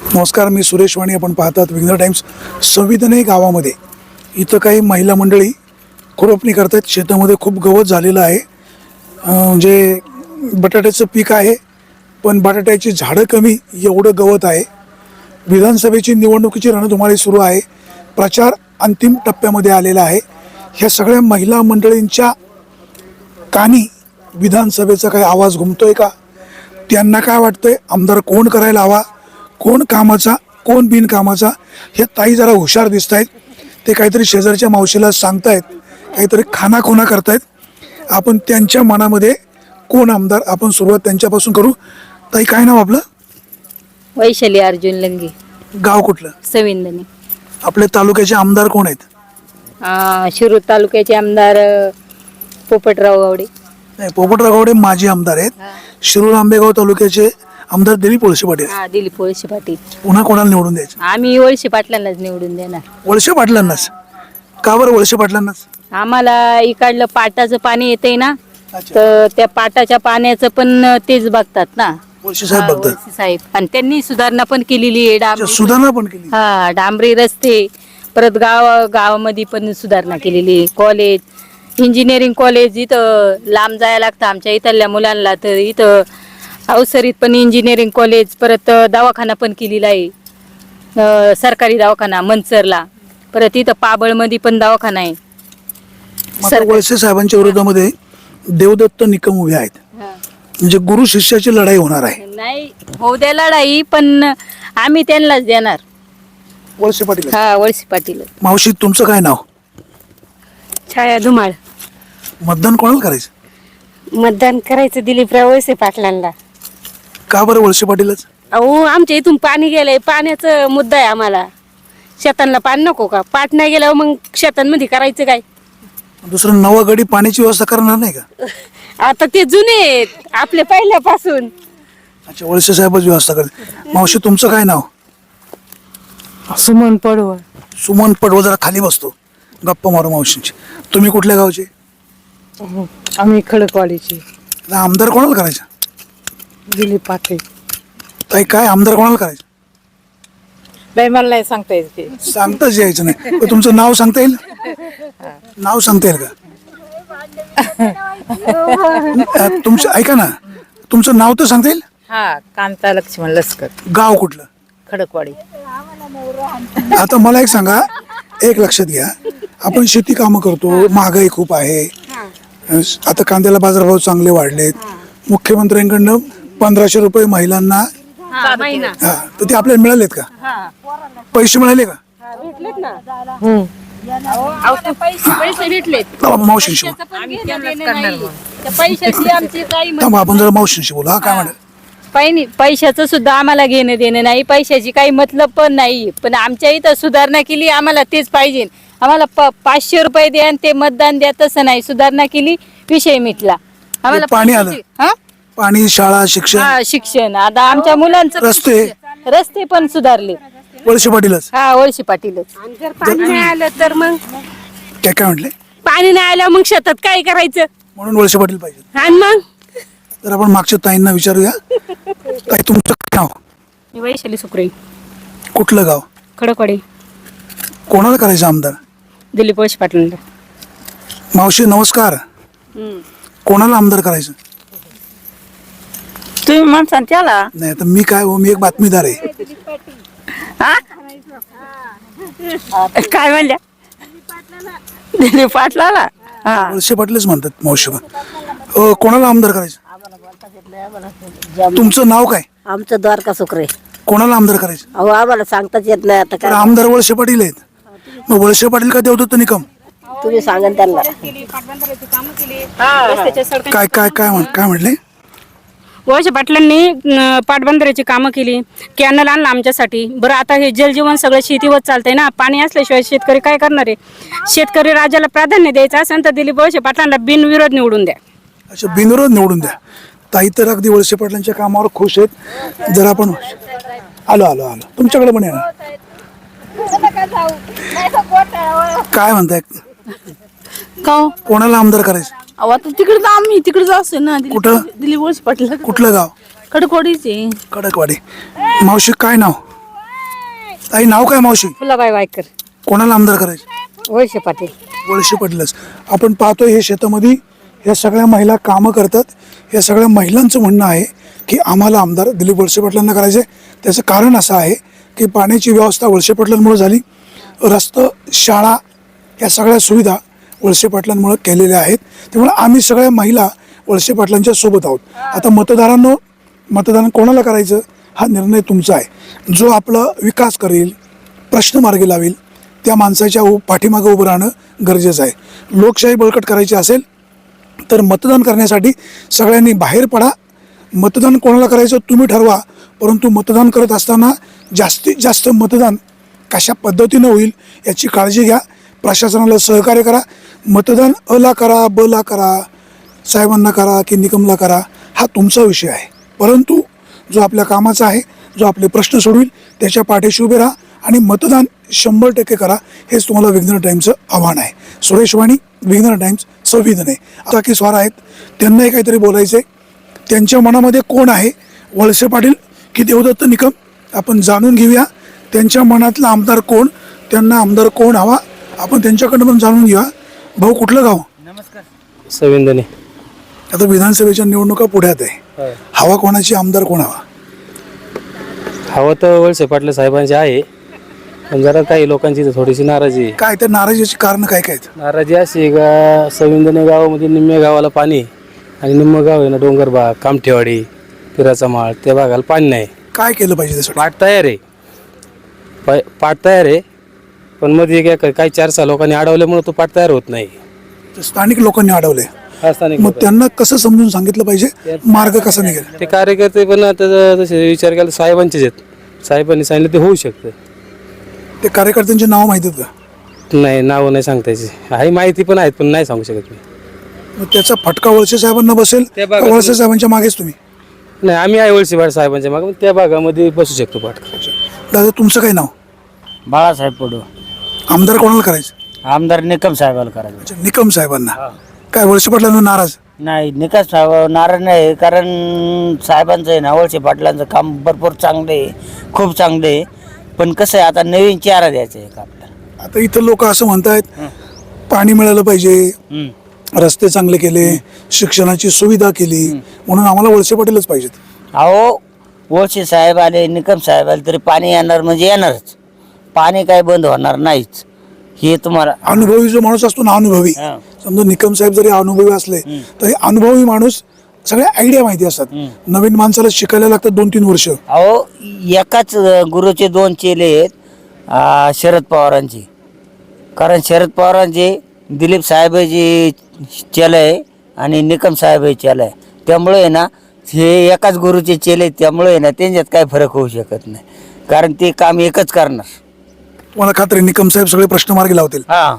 नमस्कार, मी सुरेश वाणी. आपण पाहतात विघ्न टाइम्स. संविधाने गावामध्ये इथं काही महिला मंडळी खुरपणी करतात. शेतामध्ये खूप गवत झालेलं आहे. म्हणजे बटाट्याचं पीक आहे, पण बटाट्याची झाडं कमी, एवढं गवत आहे. विधानसभेची निवडणुकीची रणधुमाळी सुरू आहे. प्रचार अंतिम टप्प्यामध्ये आलेला आहे. ह्या सगळ्या महिला मंडळींच्या कानी विधानसभेचा काही आवाज घुमतोय का? त्यांना काय वाटतंय, आमदार कोण करायला हवा, कोण कामाचा, कोण बिनकामाचा? हे ताई जरा हुशार दिसत आहेत. ते काहीतरी शेजारच्या मावशीला सांगतायत, काहीतरी खानाखोना करतायत. आपण त्यांच्या मनामध्ये कोण आमदार, आपण सुरुवात त्यांच्यापासून करू. ताई, काय नाव आपलं? वैशाली अर्जुन लंगे. गाव कुठलं? सविंदनी. आपल्या तालुक्याचे आमदार कोण आहेत? शिरूर तालुक्याचे आमदार पोपटराव गावडे. नाही, पोपटराव गावडे माजी आमदार आहेत. शिरूर आंबेगाव तालुक्याचे आमदार दिलीप वळसे पाटील. दिलीप वळसे पाटील. पुन्हा कोणाला निवडून द्यायचं? आम्ही वळसे पाटलांनाच निवडून देणार. वळसे पाटलांनाच? का बरं वळसे पाटलांनाच? आम्हाला इकडलं पाटाचं पाणी येतंय ना, अच्छा, तर त्या पाटाच्या पाण्याचं पण तेच बघतात ना, वळसे साहेब बघतात. वळसे साहेब. आणि त्यांनी सुधारणा पण केलेली आहे. अच्छा, सुधारणा पण केली. डांबरी रस्ते, परत गावामध्ये पण सुधारणा केलेली आहे. कॉलेज, इंजिनिअरिंग कॉलेज इथं लांब जायला लागतं आमच्या इथल्या मुलांना, तर इथं अवसरीत पण इंजिनिअरिंग कॉलेज, परत दवाखाना पण केलेला आहे, सरकारी दवाखाना मंचरला. परत इथं पाबळमध्ये पण दवाखाना आहे. वळसे साहेबांच्या विरोधामध्ये देवदत्त निकम उभे आहेत. म्हणजे गुरु शिष्याची लढाई होणार आहे. नाही होऊ द्या लढाई, पण आम्ही त्यांनाच देणार. वळसे पाटील. वळसे पाटील. मावशी, तुमचं काय नाव? छाया धुमाळ. मतदान कोणाला करायचं? मतदान करायचं दिलीपराव वळसे पाटलांना. का बरं वळसे पाटीलच? अहो, आमच्या इथून पाणी गेलंय, पाण्याचा मुद्दा आहे आम्हाला. शेतांना पाणी नको का? पाट नाही गेल्यावर मग शेतांमध्ये करायचं काय? दुसरं नवा गडी पाण्याची व्यवस्था करणार नाही का? आता ते जुने आहेत आपले पहिल्यापासून. अच्छा, वळसे साहेबच व्यवस्था करते. मावशी, तुमचं काय नाव? सुमन पडवळ. सुमन पडवळ. जरा खाली बसतो, गप्पा मारू मावशींची. तुम्ही कुठल्या गावचे? आम्ही खडकवाडीची. आमदार कोणाला करायचं? दिलीप पाटील. ताई, काय आमदार कोणाला करायचं? बाई, मला नाही सांगता येत ते. सांगताच यायचं नाही. पण तुमचं नाव सांगता येईल? नाव सांगता येईल का? तुमचं ऐका ना, तुमचं नाव तर सांगता येईल? कांता लक्ष्मण लस्कर. गाव कुठलं? खडकवाडी. आता मला एक सांगा, एक लक्षात घ्या, आपण शेती कामं करतो, महागाई खूप आहे. आता कांद्याला बाजारभाव चांगले वाढलेत. मुख्यमंत्र्यांकडनं 1500 रुपये महिलांना, तर ते आपल्याला मिळालेत का? पैसे मिळाले का? पैसे भेटलेत. मावशींशी बोला. आपण जरा मावशींशी बोला. काय म्हणा? पैशाचं सुद्धा आम्हाला घेणं देणं नाही, पैशाची काही मतलब पण नाही. पण आमच्या इथं सुधारणा केली, आम्हाला तेच पाहिजे. आम्हाला 500 रुपये द्या आणि ते मतदान द्या, तसं नाही. सुधारणा केली, विषय मिटला. आम्हाला पाणी आलं, पाणी, शाळा, शिक्षण. शिक्षण आता आमच्या मुलांचं, रस्ते पण सुधारले. वळसे पाटीलच? वळसे पाटीलच. पाणी नाही आलं तर मग काय म्हटले? पाणी नाही आलं मग शेतात काय करायचं? म्हणून वळसे पाटील पाहिजे. आणि मग तर आपण मागच्या ताईंना विचारूया. ताई, तुमचं काय नाव? वैशाली सुक्रे. कुठलं गाव? खडकवाडी. कोणाला करायचं आमदार? दिलीप वळसे पाटील. मावशी, नमस्कार. कोणाला आमदार करायचं? तुम्ही म्हणसान त्याला. नाही, तर मी काय, मी एक बातमीदार आहे. काय म्हणल्या? दिलीप पाटलाला. वळसे पाटीलच म्हणतात मावशी. कोणाला आमदार करायचं? तुमचं नाव काय? आमचं द्वारका सुक्रे. कोणाला आमदार करायचं? अहो, आम्हाला सांगताच येत नाही आता. तर आमदार वळसे पाटील आहेत. मग वळसे पाटील का देवदत्त निकम? तुम्ही सांगा त्यांना. काय काय काय काय म्हटले? वळसे पाटलांनी पाटबंधाऱ्याची कामं केली, कॅनल आणला आमच्यासाठी. बरं, आता हे जलजीवन सगळं शेतीवर चालतंय ना, पाणी असल्याशिवाय शेतकरी काय करणार आहे? शेतकरी राजाला प्राधान्य द्यायचं असेल तर दिलीप वळसे पाटलांना बिनविरोध निवडून द्या. अच्छा, बिनविरोध निवडून द्या. ताई तर अगदी वळसे पाटलांच्या कामावर खुश आहेत. जर आपण आलो आलो आलो तुमच्याकडे पण येणार. काय म्हणताय? कोणाला आमदार करायचं? अहो, आता तिकडे तर आम्ही तिकडे असतो ना. कुठं? दिलीप वळसे पाटील. कुठलं गाव? खडकवाडीचे. खडकवाडी. मावशी, काय नाव? ताई नाव काय मावशी? फुलाबाई वायकर. कोणाला आमदार करायचे? वळसे पाटील. वळसे पाटीलच. आपण पाहतोय हे शेतामध्ये ह्या सगळ्या महिला कामं करतात. या सगळ्या महिलांचं म्हणणं आहे की आम्हाला आमदार दिलीप वळसे पाटलांना करायचे. त्याचं कारण असं आहे की पाण्याची व्यवस्था वळसे पाटलांमुळे झाली. रस्ते, शाळा या सगळ्या सुविधा वळसे पाटलांमुळे केलेल्या आहेत. त्यामुळे आम्ही सगळ्या महिला वळसे पाटलांच्या सोबत आहोत. आता मतदारांनो, मतदान कोणाला करायचं हा निर्णय तुमचा आहे. जो आपला विकास करेल, प्रश्न मार्गी लावेल त्या माणसाच्या पाठीमागं उभं राहणं गरजेचं आहे. लोकशाही बळकट करायची असेल तर मतदान करण्यासाठी सगळ्यांनी बाहेर पडा. मतदान कोणाला करायचं तुम्ही ठरवा, परंतु मतदान करत असताना जास्तीत जास्त मतदान कशा पद्धतीनं होईल याची काळजी घ्या. प्रशासनाला सहकार्य करा. मतदान अला करा, बला करा, साहेबांना करा की निकमला करा हा तुमचा विषय आहे. परंतु जो आपल्या कामाचा आहे, जो आपले प्रश्न सोडवेल त्याच्या पाठीशी उभे राहा आणि मतदान 100% करा. हेच तुम्हाला विघ्नर टाईमचं आव्हान आहे. सुरेश वाणी, विघ्नर टाईम्स, संविधान आहे. आता की स्वार आहेत, त्यांनाही काहीतरी बोलायचं आहे. त्यांच्या मनामध्ये कोण आहे, वळसे पाटील की देवदत्त निकम, आपण जाणून घेऊया. त्यांच्या मनातला आमदार कोण, त्यांना आमदार कोण हवा, आपण त्यांच्याकडनं पण जाणून घेऊया. भाऊ कुठलं गाव? संविधाने. आता विधानसभेच्या निवडणुका पुढ्यात आहे. हवा कोणाची, आमदार कोण हवा? हवं तर वळसे पाटील साहेबांचे आहे, पण जरा काही लोकांची तर थोडीशी नाराजी आहे. काय त्या नाराजीची कारण काय काय आहेत? नाराजी अशी आहे का, संविधाने गावामध्ये निम्म्या गावाला पाणी आणि निम्म गाव आहे ना डोंगर भाग, कामठेवाडी, पिराचा माळ, त्या भागाला पाणी नाही. काय केलं पाहिजे त्यासाठी? पाट तयार आहे, पाट तयार आहे, पण मध्ये काही 4-6 लोकांनी अडवल्यामुळे तो पाट तयार होत नाही. स्थानिक लोकांनी अडवले, हा स्थानिक मग लोक. त्यांना कसं समजून सांगितलं पाहिजे, मार्ग कसा निघेल? ते कार्यकर्ते पण आता तसे विचार केला साहेबांचेच आहेत. साहेबांनी सांगितलं ते होऊ शकतं. ते कार्यकर्त्यांचे नाव माहिती आहेत का? नाही, नावं नाही सांगता यायची. आहे माहिती पण आहेत, पण नाही सांगू शकत मी. मग त्याचा फटका वळसे साहेबांना बसेल त्या का भागात- वळसे साहेबांच्या मागेच तुम्ही? नाही, आम्ही आहे वळसे साहेबांच्या मागे, त्या भागामध्ये बसू शकतो पाठ. दादा तुमचं काय नाव? बाळासाहेब पडू. आमदार कोणाला करायचं? आमदार निकम साहेबाला करायचं. अच्छा, निकम साहेबांना. काय वळसे पाटलांना नाराज? नाही, निकम साहेब नाराज नाही, कारण साहेबांचं आहे ना, वळसे पाटलांचं काम भरपूर चांगलं आहे, खूप चांगलं आहे. पण कसं आहे, आता नवीन चेहरा द्यायचा आहे का आपल्याला. आता इथं लोक असं म्हणतायत पाणी मिळालं पाहिजे, रस्ते चांगले केले, शिक्षणाची सुविधा केली, म्हणून आम्हाला वळसे पाटीलच पाहिजेत. अहो, वळसे साहेब आले, निकम साहेब आले तरी पाणी येणार म्हणजे येणारच. पाणी काय बंद होणार नाहीच, हे तुम्हाला. अनुभवी जो माणूस असतो ना, अनुभवी, हा. समजा निकम साहेब जरी अनुभवी असले तरी अनुभवी माणूस सगळ्या आयडिया माहिती असतात. नवीन माणसाला शिकायला लागतात 2-3 वर्ष. अहो, एकाच गुरुचे 2 चेले आहेत शरद पवारांचे. कारण शरद पवारांचे दिलीप साहेबांचे चेले आहे आणि निकम साहेब हे चेले आहे. त्यामुळे आहे ना, हे एकाच गुरुचे चेले आहेत, त्यामुळे आहे ना त्यांच्यात काही फरक होऊ शकत नाही, कारण ते काम एकच करणार. तुम्हाला खात्री निकम साहेब सगळे प्रश्न मार्गी लावतील. हा,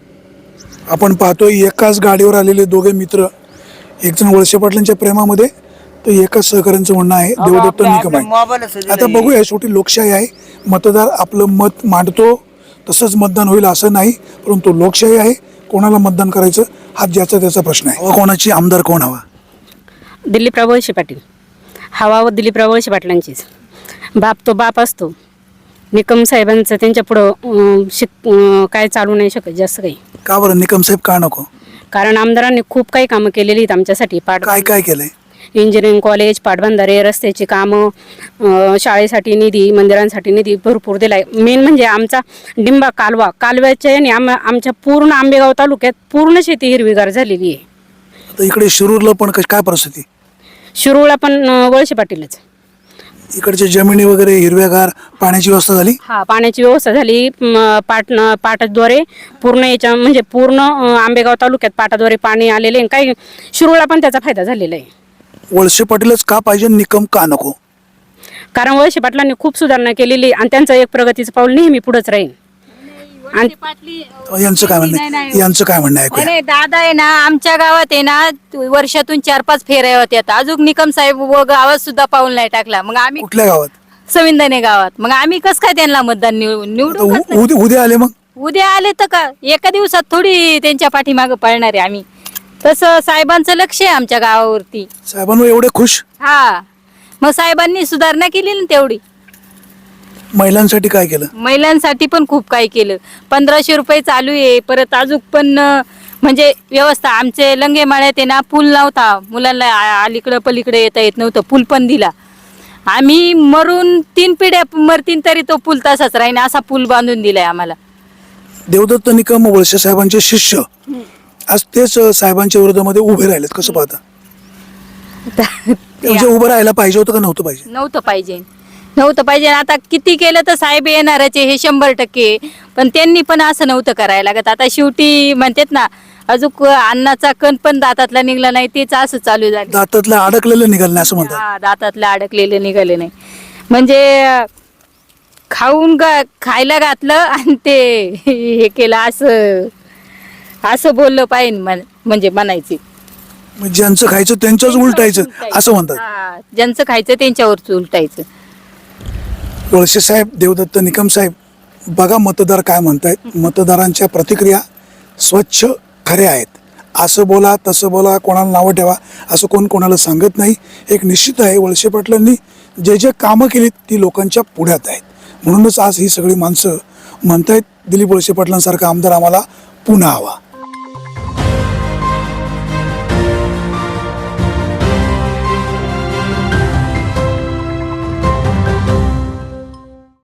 आपण पाहतोय एकाच गाडीवर आलेले दोघे मित्र, एक जण वळसे पाटलांच्या प्रेमामध्ये तर एकाच सहकाऱ्यांचं म्हणणं आहे देवदत्त निकम आहे. आता बघूया, शेवटी लोकशाही आहे, मतदार आपलं मत मांडतो, तसंच मतदान होईल असं नाही, परंतु लोकशाही आहे, कोणाला मतदान करायचं हा ज्याचा त्याचा प्रश्न आहे. कोणाची आमदार कोण हवा? दिलीपराव वळसे पाटील. हवा व दिलीपराव वळसे पाटलांचीच. बाप तो बाप असतो. निकम साहेबांचं त्यांच्या पुढं काय चालू नाही शकत जास्त काही. का बरं निकम साहेब का नको? कारण आमदारांनी खूप काही कामं केलेली आहेत आमच्यासाठी. काय काय केलंय? इंजिनिअरिंग कॉलेज, पाटबंधारे, रस्त्याची कामं, शाळेसाठी निधी, मंदिरांसाठी निधी भरपूर दिलाय. मेन म्हणजे आमचा डिंबा कालव्याच्या याने आमच्या पूर्ण आंबेगाव तालुक्यात पूर्ण शेती हिरवीगार झालेली आहे. आता इकडे शिरूरला पण काय परिस्थिती? शिरूरला पण वळसे पाटीलच. इकडच्या जमिनी वगैरे हिरव्यागार, पाण्याची व्यवस्था झाली? हा, पाण्याची व्यवस्था झाली. पाटाद्वारे पूर्ण याच्या म्हणजे पूर्ण आंबेगाव तालुक्यात पाटाद्वारे पाणी आलेले आहे. काही शिरूरला पण त्याचा फायदा झालेला आहे. वळसे पाटीलच का पाहिजे, निकम का नको? कारण वळसे पाटलांनी खूप सुधारणा केलेली आणि त्यांचं एक प्रगतीचं पाऊल नेहमी पुढेच राहील. आणि यांचं काय म्हणणं आहे? यांचं काय म्हणणं आहे? नाही दादा आहे ना, आमच्या गावात आहे ना वर्षातून 4-5 फेऱ्या होत्यात. अजून निकम साहेब गावात सुद्धा पाऊल नाही टाकला. मग आम्ही कुठल्या गावात? संविधाने गावात. मग आम्ही कस काय त्यांना मतदान निवडू? उद्या आले मग उद्या आले तर का एका दिवसात थोडी त्यांच्या पाठीमागं पळणार आहे आम्ही. तसं साहेबांचं लक्ष आहे आमच्या गावावरती. साहेबांवर एवढे खुश? हा, मग साहेबांनी सुधारणा केली ना तेवढी. महिलांसाठी काय केलं? महिलांसाठी पण खूप काही केलं. 1500 रुपये चालू आहे. परत अजून पण म्हणजे व्यवस्था आमचे लंगे माळ्यात आहे ना, पूल नव्हता, मुलांना अलीकडं पलीकडे येता येत नव्हतं, पूल पण दिला. आम्ही मरून 3 पिढ्या मरतीन तरी तो पूल तसाच राहीन, असा पूल बांधून दिलाय आम्हाला. देवदत्त निकम वळसे साहेबांचे शिष्य आज तेच साहेबांच्या विरोधामध्ये उभे राहिलेत, कसं पाहता? म्हणजे उभं राहायला पाहिजे होतं का नव्हतं पाहिजे? नव्हतं पाहिजे. आता किती केलं तर साहेब येणारच आहे, हे 100%. पण त्यांनी पण असं नव्हतं करायला लागत. आता शेवटी म्हणतात ना, अजून अन्नाचा कण पण दातातला निघला नाही, तेच असं चालू झालं. दातातलं अडकलेलं निघालं नाही असं म्हणतात. हा, दातातलं अडकलेलं निघाले नाही. म्हणजे खायला घातलं आणि ते हे केलं, असं बोललं पाहिजे म्हणजे म्हणायचे. म्हणजे ज्यांचं खायचं त्यांच्याच उलटायचं असं म्हणतात. हा, ज्यांचं खायचं त्यांच्यावरच उलटायचं. वळसे साहेब, देवदत्त निकम साहेब, बघा मतदार काय म्हणतायत. मतदारांच्या प्रतिक्रिया स्वच्छ खऱ्या आहेत. असं बोला तसं बोला, कोणाला नावं ठेवा असं कोणाला सांगत नाही. एक निश्चित आहे, वळसे पाटलांनी जे कामं केली ती लोकांच्या पुढ्यात आहेत. म्हणूनच आज ही सगळी माणसं म्हणतायत दिलीप वळसे पाटलांसारखा आमदार आम्हाला पुन्हा हवा.